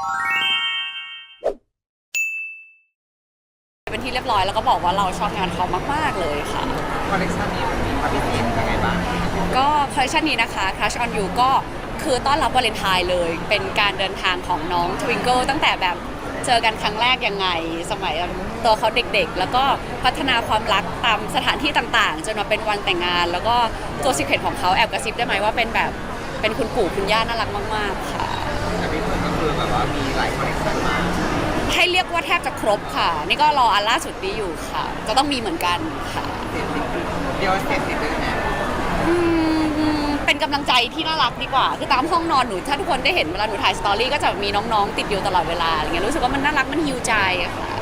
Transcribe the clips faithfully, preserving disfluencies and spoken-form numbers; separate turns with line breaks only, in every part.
เป็นที่เรียบร้อยแล้วก็บอกว่าเราชอบงานเขามากๆเลยค่ะ
คอลเลคชันนี้มันมีความพิเศษยังไงบ้าง
ก็คอลเลคชันนี้นะคะ Crush on You ก็คือต้อนรับวาเลนไทน์เลยเป็นการเดินทางของน้อง Twinkle ตั้งแต่แบบเจอกันครั้งแรกยังไงสมัยตัวเขาเด็กๆแล้วก็พัฒนาความรักตามสถานที่ต่างๆจนมาเป็นวันแต่งงานแล้วก็ตัวซีเคร็ตของเขาแอบกระซิบได้ไหมว่าเป็นแบบเป็นคุณปู่คุณย่าน่ารักมากๆค่ะ
แต่พี่เพื่อนก็คือแบบว่ามีหลายคอลเลคชันมา
ให้เรียกว่าแทบจะครบค่ะนี่ก็รออันล่าสุดนี้อยู่ค่ะจะต้องมีเหมือนกันค่ะ
เดียวเสร็จสิเลยนะ
เป็นกำลังใจที่น่ารักดีกว่าคือตามห้องนอนหนูถ้าทุกคนได้เห็นเวลาหนูถ่ายสตอรี่ก็จะมีน้องๆติดอยู่ตลอดเวลาอะไรเงี้ยรู้สึกว่ามันน่ารักมันฮิวใจอะค่ะ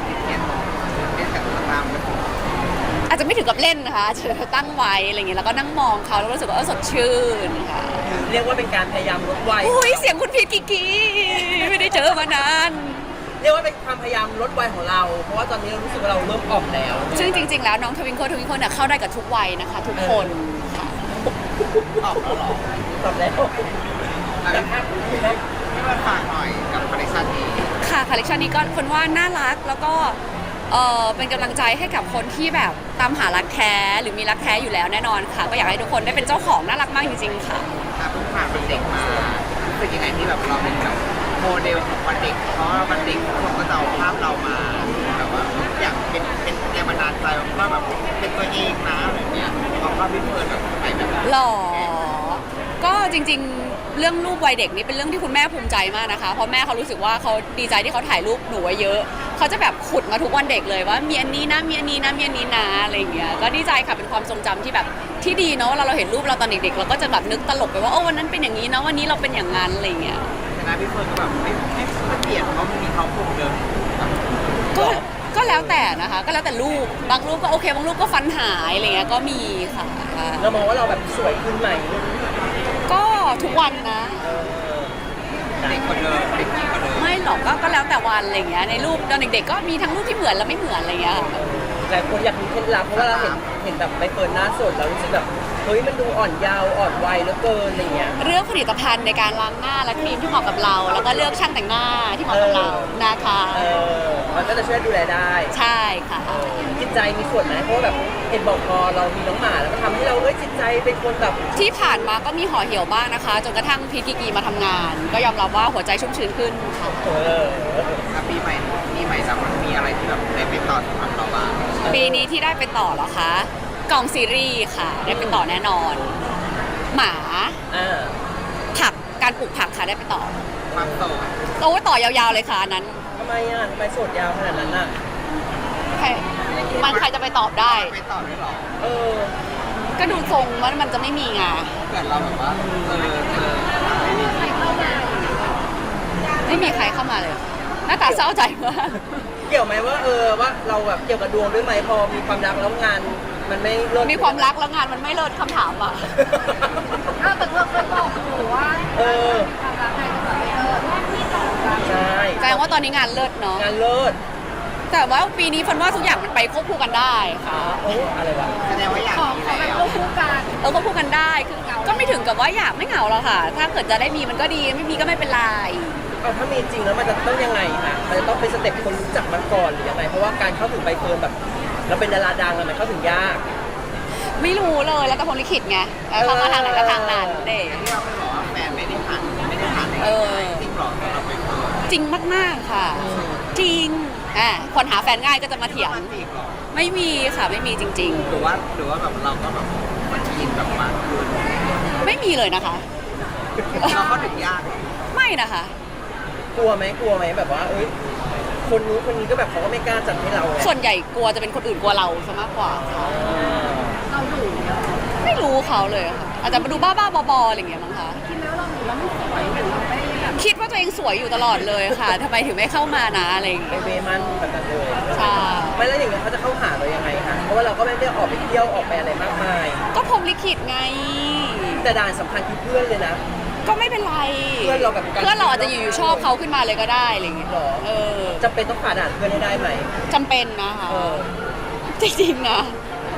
อาจจะไม่ถึงกับเล่นนะคะจะตั้งไว้อะไรเงี้ยแล้วก็นั่งมองเขาแล้วรู้สึกว่าเออสดชื่นค่ะ
เรียกว่าเป็นการพยายามลดวัย
อุ้ยเสียงคุณพีทกิกีไม่ได้เจอมานาน
เรียกว่าเป็นความพยายามลดวัยของเราเพราะว่าตอนนี้เรารู้สึกว่าเราเริ่มออกแล้ว
ซึ่งจริงๆแล้วน้องทวิงโคทวิงโคเนี่ยเข้าได้กับทุกวัยนะคะทุกคนค่ะ
ออกแล้วหรอ
ตอบแล้ว
แต่ภาพที่มาฝากหน่อยกับคอลเลคชันนี้
ค่ะคอลเลคชันนี้ก็คนว่าน่ารักแล้วก็เออเป็นกำลังใจให้กับคนที่แบบตามหารักแท้หรือมีรักแท้อยู่แล้วแน่นอนค่ะก็อยากให้ทุกคนได้เป็นเจ้าของน่ารักมากจริงๆค่ะ
ถ้าเพิ่งผ่านวันเด็กมาเป็นยังไงที่แบบเราเป็นแบบโมเดลของวันเด็กเพราะว่าวันเด็กทุกคนก็จะเอาภาพเรามาแบบว่าอยากเป็นเป็นแรงบันดาลใจว่าแบบเป็นตัวเองนะอะไรเงี้ยเอาภาพพี่เฟิร์นแบบไหนแบบ
หล่อก็จริงๆเรื่องรูปวัยเด็กนี่เป็นเรื่องที่คุณแม่ภูมิใจมากนะคะเพราะแม่เขารู้สึกว่าเขาดีใจที่เขาถ่ายรูปหนูไว้เยอะเขาจะแบบขุดมาทุกวันเด็กเลยว่ามีอันนี้นะมีอันนี้นะมีอันนี้นะอะไรเงี้ยก็ดีใจค่ะเป็นความทรงจำที่แบบที่ดีเนาะเวลาเราเห็นรูปเราตอนเด็กๆเราก็จะแบบนึกตลกไปว่าโอ้วันนั้นเป็นอย่างนี้นะวันนี้เราเป็นอย่างนั้นอะไรเงี้ย
แต่นะพี่เฟิร์นก็แบบไม่ไม่เปลี่ยนเพราะมันมีเขาคงเดิม
ก็ก็แล้วแต่นะคะก็แล้วแต่รูปบางรูปก็โอเคบางรูปก็ฟันหายอะไรเงี้ยก็มีค่ะ
เรามองว่าเราแบบสวยขึ้นไหม
ก็ทุกวันนะ
เด็กคนเดิมเด็กยิ่งกว่าเดิม
ไม่หรอกก็ก็แล้วแต่วันอะไรเงี้ยในรูปตอนเด็กๆก็มีทั้งรูปที่เหมือนและไม่เหมือนอะไรเงี้ย
หลายคนอยากมีเคล็ดลับเพราะว่าเราเห็นเห็นแบบใบเฟิร์นหน้าสดเรารู้สึกแบบเฮ้ยมันดูอ่อนเยาว์อ่อนวัยเหลือเกินอะไรเงี้ย
เรื่องผลิตภัณฑ์ในการล้างหน้าและครีมที่เหมาะกับเราแล้วก็เลือกช่างแต่งหน้าที่เหมาะกับเรานะคะ
เออมันก็จะช่วยดูแลได้
ใช่ค่ะ
จิตใจมีส่วนไหมเพราะแบบเห็นบอกพอเรามีน้องหมาแล้วก็ทำให้เราเอ้ยจิตใจเป็นคนแบบ
ที่ผ่านมาก็มีห่อเหี่ยวบ้างนะคะจนกระทั่งพีทกิกีมาทำงานก็ยอมรับว่าหัวใจชุ่มชื้นขึ้นค่ะ
เออ
ปีใหม่ปีใหม่แล้วมันมีอะไรที่แบบได้ไปต่อสำหรับเราบ้าง
ปีนี้ที่ได้ไปต่อเหรอคะกองซีรีส์ค่ะได้ไปต่อแน่นอนหมาผักการปลูกผักค่ะได้ไปต่อ
ความโต
โอ้ต่อยาวๆเลยค่ะอันนั้น
ทำไมอ่ะทำไมโสดยาวขนาดนั้นอ่ะ
ใครมันใครจะไปตอบได้
ไปตอบได้หรอ
เออก็ดูทรงว่ามันจะไม่มีไง
เกิดเราแบบว่าเออเออไม่มีใครเข้ามา
ไม่มีใครเข้ามาเลยหน้าตาเศร้าใจมาก
เกี่ยวไหมว่าเออว่าเราแบบเกี่ยวกับดวงด้วยไหมพอมีความรักแล้วงานมันไม่เลิศ
มีความรักแล้วงานมันไม่เลิศคำถามอ่ะ
ถ้าแต่เพื่อนเพื่อนบอกหนูว่า
เออ
ความรักในจะแบบไม่เลิศ
ใช่
แสดงว่าตอนนี้งานเลิศเนาะ
งานเลิศ
แต่ว่าปีนี้ฟันว่าทุกอย่างมันไปควบคู่กันได้ค่ะ
โอ้อะไรวะ
แสดงว่าอยากมี
แล้วควบคู่กัน
เออควบคู่กันได้คือก็ไม่ถึงกับว่าอยากไม่เหงาหรอกค่ะถ้าเกิดจะได้มีมันก็ดีไม่มีก็ไม่เป็นไร
เอาถ้ามีจริงแล้วมันจะต้องยังไงคะมันจะต้องเป็นสเต็ปคนรู้จักมันก่อนหรือยังไงเพราะว่าการเข้าถึงใบเฟิร์นแบบเราเป็นดาราดังอะมันเข้าถึงยาก
ไม่รู้เลยแล้วแต่พรลิขิตไงเข้ามาทางไหนก็ทางนั้นเด็ก
ที่เราไม่บอกว่าแฟนไม่ได้ผ่านไม่ได้ผ่านเออจริงหรอเราไป
จริงมากๆค่ะจริงอ่ะคนหาแฟนง่ายก็จะมาเถียงไม่มีค่ะไม่มีจริง
ๆหรือว่าหรือว่าแบบเราก็แบบมันอินแบบมากขึ้น
ไม่มีเลยนะคะ
เราเข้าถึงยาก
ไม่นะคะ
กลัวไหมกลัวไหมแบบว่าเอ้ยคนนู้นคนนี้ก็แบบเขาก็ไม่กล้าจัดให้เรา
ส่วนใหญ่กลัวจะเป็นคนอื่นกลัวเราซะมากกว่า
เราดู
ไม่รู้เขาเลยค่ะอาจจะมาดูบ้าๆบอๆอะไรอย่างเงี้ยมั้งคะ
คิดแล้วเราดูแล้วไม่สวยหรือเราไม่แบบ
คิดว่าตัวเองสวยอยู่ตลอดเลยค่ะทำไมถึงไม่เข้ามานะอะไรอย่างเงี้
ยไปเวมันแบบนั้นเลย
ใช่
ไม่แล้วอย่างเงี้ยเขาจะเข้าหาเรายังไงคะเพราะว่าเราก็ไม่ได้ออกไปเที่ยวออกไปอะไรมากมาย
ก็พรหมลิขิตไง
แต่ด่านสำคัญคือเพื่อนเลยนะ
ก็ไม่เป็นไร
เพื่อนเราแบบ
เพื่อนเราอาจจะอยู่ๆชอบเขาขึ้นมาเลยก็ได้อะไรอย่างเงี้ย
หรอเออจำเป็นต้องผ่านด่านเพื่อนให้ได้ไหม
จำเป็นนะคะจริงๆนะ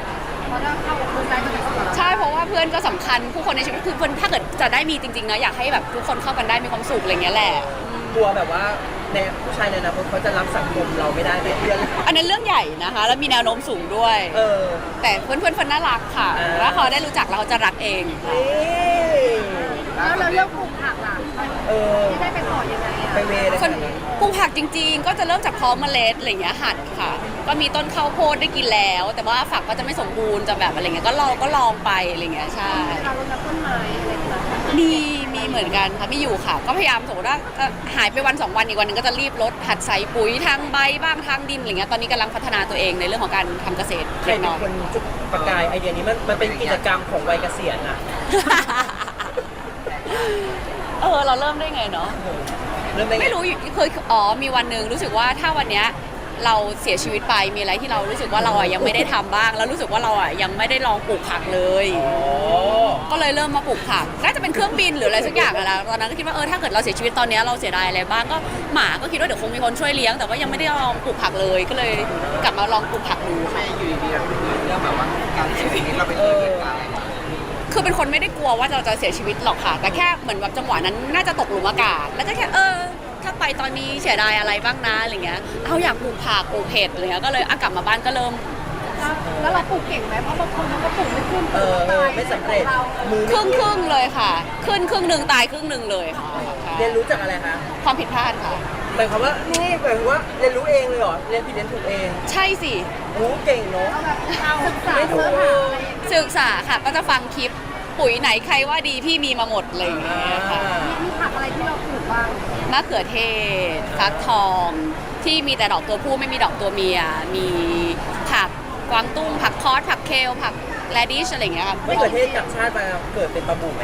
ใช่เพราะว่าเพื่อนก็สำคัญผู้คนในชีวิตคือเพื่อนถ้าเกิดจะได้มีจริงๆนะอยากให้แบบทุกคนเข้ากันได้มีความสุขอะไรเงี้ยแหละ
กลัวแบบว่าในผู้ชายในอนาคตเขาจะรับสังคมเราไม่ได้ไหมเพื่อน
อันนั้นเรื่องใหญ่นะคะ แล้วมีแนวโน้มสูงด้วย
เออ
แต่เพื่อนเพื่อนๆคนน่ารักค่ะ
อ่า
แล้วเขาได้รู้จักแล้วเขาจะรักเองค่ะ
นี่
แล้วเราเลือกปลูกผักล่ะ
เออ
ที่ได้ไปต่อยังไงอ่ะ
ไปเวเลย
คน
ขนาดนั้น
ปลูกผักจริงๆ ก็จะเริ่มจากเพาะเมล็ดอะไรอย่างเงี้ยหัดค่ะ ก็มีต้นข้าวโพดได้กินแล้ว แต่ว่าฝักก็จะไม่สมบูรณ์จะแบบอะไรเงี้ยก็เราก็ลองไปอะไรเงี้ยใช่
การรดน้ำต้นไม้อะไรต่างๆ
มีมีเหมือนกันค่ะมีอยู่ค่ะ ก็พยายามสมมติว่าเอ่อหายไปวันสองวันอีกวันหนึงก็จะรีบลดหัดใส่ปุ๋ยทางใบบ้างทางดินอะไรเงี้ยตอนนี้กำลังพัฒนาตัวเองในเรื่องของการทำเกษตร
ใคร
เล็ก
เป็
น้
น
อย
คนจุดประกายไอเดียนี้มันมันเป็นกิจกรรมของวัยเกษียณอ่ะ
เออเราเริ่มได้ไงเนาะ
เริ่มได้ไง
ไม่รู้อยู่เคยอ๋อมีวันหนึ่งรู้สึกว่าถ้าวันเนี้ยเราเสียชีวิตไปมีอะไรที่เรารู้สึกว่าเราอ่ะยังไม่ได้ทำบ้าง แล้วรู้สึกว่าเราอ่ะยังไม่ได้ลองปลูกผักเลย
อ๋อ
ก็เลยเริ่มมาปลูกผักน่าจะเป็นเครื่องบินหรืออะไรสักอย่างอะนะตอนนั้นก็คิดว่าเออถ้าเกิดเราเสียชีวิตตอนเนี้ยเราเสียดายอะไรบ้างก็หมาก็คิดว่าเดี๋ยวคงมีคนช่วยเลี้ยงแต่ว่ายังไม่ได้ลองปลูกผักเลย ก็เลยกลับมาลองปลูกผักดู
ไม่อยู่ดีๆเราเป็นเรื่องแบบว่าการเสียชีวิตเราไปเจอเหตุการณ์อะไรมา
คือเป็นคนไม่ได้กลัวว่าเราจะเสียชีวิตหรอกค่ะ แต่แค่เหมือนแบบจังหวะนั้นน่าจะตกหลุมอากาศ แล้วก็แค่เออ ถ้าไปตอนนี้เสียดายอะไรบ้างนะอะไรเงี้ย เอาอยากปลูกผักปลูกเห็ดอะไรเงี้ย ก็เลยอ่ะกลับมาบ้านก็เริ่ม
แล้วแล้วเราปลูกเก่งไหมเพราะบางคนเขาก็ปลูกไม่ขึ้น
เอ
ปลูก
อ
ไม่ตาย
ไม่สำเร็จ
เรา
มือ
ครึ่งค
ไม่
รึ่งๆเลยค่ะ ขึ้นครึ่งหนึ่งตายครึ่งหนึ่งเลยค่ะใช่
เรียนรู้จากอะไรคะ
ความผิดพลาดค่ะ
หมายความว่านี่หมายความว่าเรียนรู้เองเลยเหรอเรียนผิดเรียนถูกเอง
ใช่สิ
โอ้เก่งเนาะ
เอาแบบเราศึกษา
ไม่ถูก
เนื้อหาอะไรอย่างเงี้ย
ศึกษาค่ะ ก็จะฟังคลิปปุ๋ยไหนใครว่าดีพี่มีมาหมดเลยอย่างเงี้ยค่ะ
มีผักอะไรที่เราปลูกบ้าง
มะเขือเทศฟักทอง ที่มีแต่ดอกตัวผู้ไม่มีดอกตัวเมีย มีผักกวางตุ้งผักคอสผักเคลผักแรดิชอะไรอย่างเงี้ยค่ะ
ไม่เกิดเทศกับชาติมาเกิดเป็นปลาบูไหม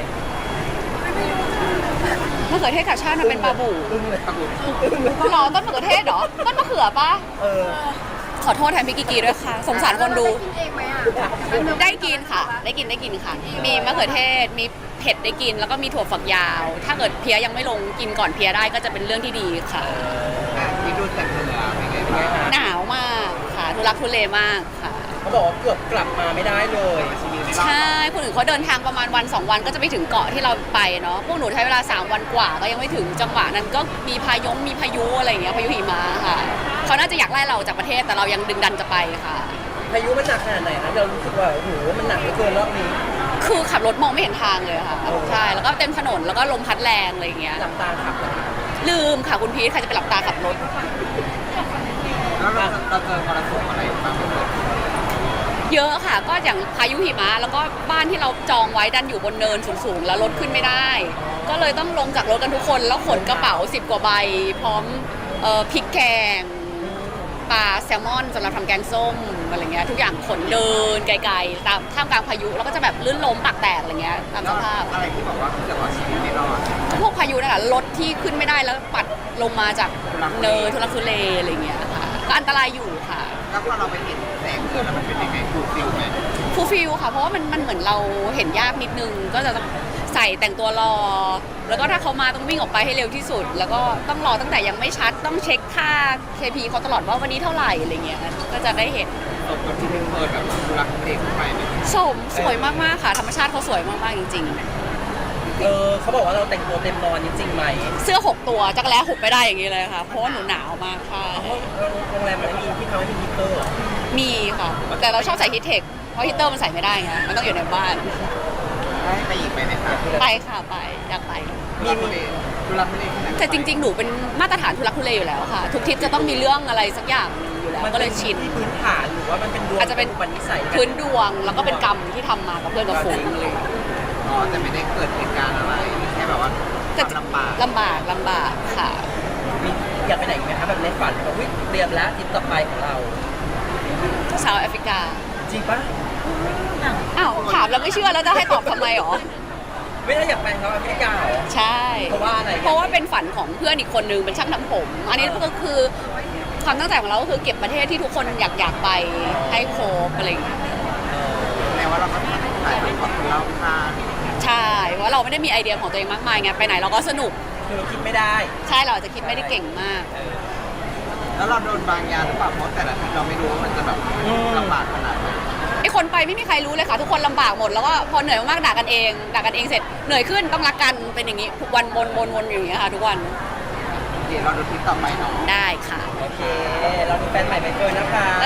มะเขือเทศกับชาติมันเป็นปลาบู
อึ้งเลย
ปรากฏ
หรอต้นมะเขือเทศเหรอต้นมะเขือปะ
เออ
ขอโทษแทนพี่กิกีด้วยค่ะ สงสารคนดู
เราได้กินเองไหมอ่ะ
ได้กินค่ะ ได้กินได้กินค่ะ มีมะเขือเทศมีเผ็ดได้กิน แล้วก็มีถั่วฝักยาว ถ้าเกิดเพี้ยยังไม่ลงกินก่อนเพี้ยได้ก็จะเป็นเรื่องที่ดีค่ะ
อ่ะมีดูจากเหนือเป็นไงบ้าง
หนาวมากค่ะทุรักทุเลมากค่ะ
เขาบอกว่าเกือบกลับมาไม่ได้เลย
ชีวิตในรอบ
ใช่ คนอื่นเขาเดินทางประมาณวันสองวันก็จะไปถึงเกาะที่เราไปเนาะ พวกหนูใช้เวลาสามวันกว่าก็ยังไม่ถึงจังหวะนั้นก็มีพายงมีพายุอะไรอย่างเงี้ยพายุหิมะค่ะ เขาน่าจะอยากไล่เราจากประเทศแต่เรายังดึงดันจะไปค่ะ
พายุมันหนักขนาดไหนคะเรารู้สึกว่าโอ้โหมันหนักเหลือเกินรอบนี้
คือขับรถมองไม่เห็นทางเลยค่ะ ใช่ แล้วก็เต็มถนนแล้วก็ลมพัดแรงอะไรอย่างเงี้ย
หลับตาขับเหรอคะ
ลืมค่ะคุณพีทใครจะไปหลับตาขับรถ
แล้วเราเราเจอมรสุมอะไรบ้างไหม
เยอะค่ะ ก็อย่างพายุหิมะแล้วก็บ้านที่เราจองไว้ดันอยู่บนเนินสูงๆแล้วรถขึ้นไม่ได้ ก็เลยต้องลงจากรถกันทุกคนแล้วขนกระเป๋าสิบกว่าใบ พร้อมเอ่อพริกแกงปลาแซลมอนสำหรับทำแกงส้มอะไรเงี้ยทุกอย่างขนเดินไกลๆตามท่ามกลางพายุแล้วก็จะแบบลื่นล้มปากแตกอะไรเงี้ยตาม
แล้
ส
ว
ภาพ
อะไรที่บอกว่าแต่ว่าชีวิตไม่รอด
พวกพายุนั่นแหละรถที่ขึ้นไม่ได้แล้วปัดลงมาจากเนินทุลักทุเลอะไรเงี้ยค่ะก็อันตรายอยู่ค่ะ
แล้วพอเราไปเห็นแสงเดือนแล้วมันเป็นยังไงฟูลฟิลไหม
ฟูลฟิลค่ะเพราะว่ามันมันเหมือนเราเห็นยากนิดนึงก็จะต้องใส่แต่งตัวรอ แล้วก็ถ้าเขามาต้องวิ่งออกไปให้เร็วที่สุด แล้วก็ต้องรอตั้งแต่ยังไม่ชัดต้องเช็คค่า เค พี เขาตลอดว่าวันนี้เท่าไหร่อะไรเงี้ยก็จะได้เห็น
สมกับที่เพิ่งเปิดแบบรักเด็กไปไหม
สมสวยมากๆค่ะ ธรรมชาติเขาสวยมากๆจริง
เออเขาบอกว่าเราแต่งตัวเต็มนอนนี่จริงไหม
ๆ เสื้อหกตัวจักรแล้หกไม่ได้อย่างนี้เลยค่ะ เพราะว่าหนูหนาวมากค่ะ
ห้องโรงแรมมันไม่มีที่เขาไม่มีฮีตเตอร์เหรอ
มีค่ะ แต่เราชอบใส่ฮีทเทคเพราะฮีตเตอร์มันใส่ไม่ได้ไงมันต้องอยู่ในบ้าน
ได้ไปอีกไหมไหมคะ
ไปค่ะไปอยากไป
มีมีดูรักไม่ได้ขนาด
แต่จริงๆ หนูเป็นมาตรฐานทุลักทุเลอยู่แล้วค่ะ ทุกทริปจะต้องมีเรื่องอะไรสักอย่างหนึ่งอยู่แล้ว ก็เลยชิน
ที่พื้นฐานหรือว่ามันเป็นดวง
อาจจะเป็น
อุปนิสัย
พื้นดวงแล้วก็เป็นกรรมที่ทำมากับเพื่อนกับฝูงเลย
อ๋อแต่ไม่ได้เกิดเหตุการณ์อะไรแค่แบบว่าความลำบาก
ลำบากลำบากค่ะ
มีอยากไปไหนอีกไหมคะแบบในฝันแบบวิเตรียมแล้วทริปต่อไปของเรา
ชาวแอฟริกา
จริงปะ
อ้าวถามแล้วไม่เชื่อแล้วจะให้ตอบทำไมหรอ
ไม่ได้อยากไปเขาแอฟริกาเหรอ
ใช่
เพราะว่าอะไร
เพราะว่าเป็นฝันของเพื่อนอีกคนนึงเป็นช่างทำผม อันนี้ก็คือความตั้งใจของเราก็คือเก็บประเทศที่ทุกคนอยากอยากไปให้ครบอะไรอย่างเงี้ย
แม้ว่าเราก็ถ่ายทำของเราคาด
ใช่เพราะเราไม่ได้มีไอเดียของตัวเองมากมายไงไปไหนเราก็สนุก
คือเราคิดไม่ได้
ใช่เราอาจจะคิดไม่ได้เก่งมาก
แล้วเราโดนบางยาหรือเปล่าเพราะแต่ละทีเราไม่รู้ว่ามันจะแบบลำบากขนาดไหน
ไอคนไปไม่มีใครรู้เลยค่ะ ทุกคนลำบากหมดแล้วก็พอเหนื่อยมากๆด่ากันเองด่ากันเองเสร็จเหนื่อยขึ้นต้องรักกันเป็นอย่างนี้ทุกวันวนวนวนอยู่อย่างเงี้ยค่ะทุกวัน
แ
เดี๋ยวเราดูทริปต่อไปเนาะ
ได้ค่ะ
โอเค เราดูแฟนใหม่ใบเฟิร์นนะคะ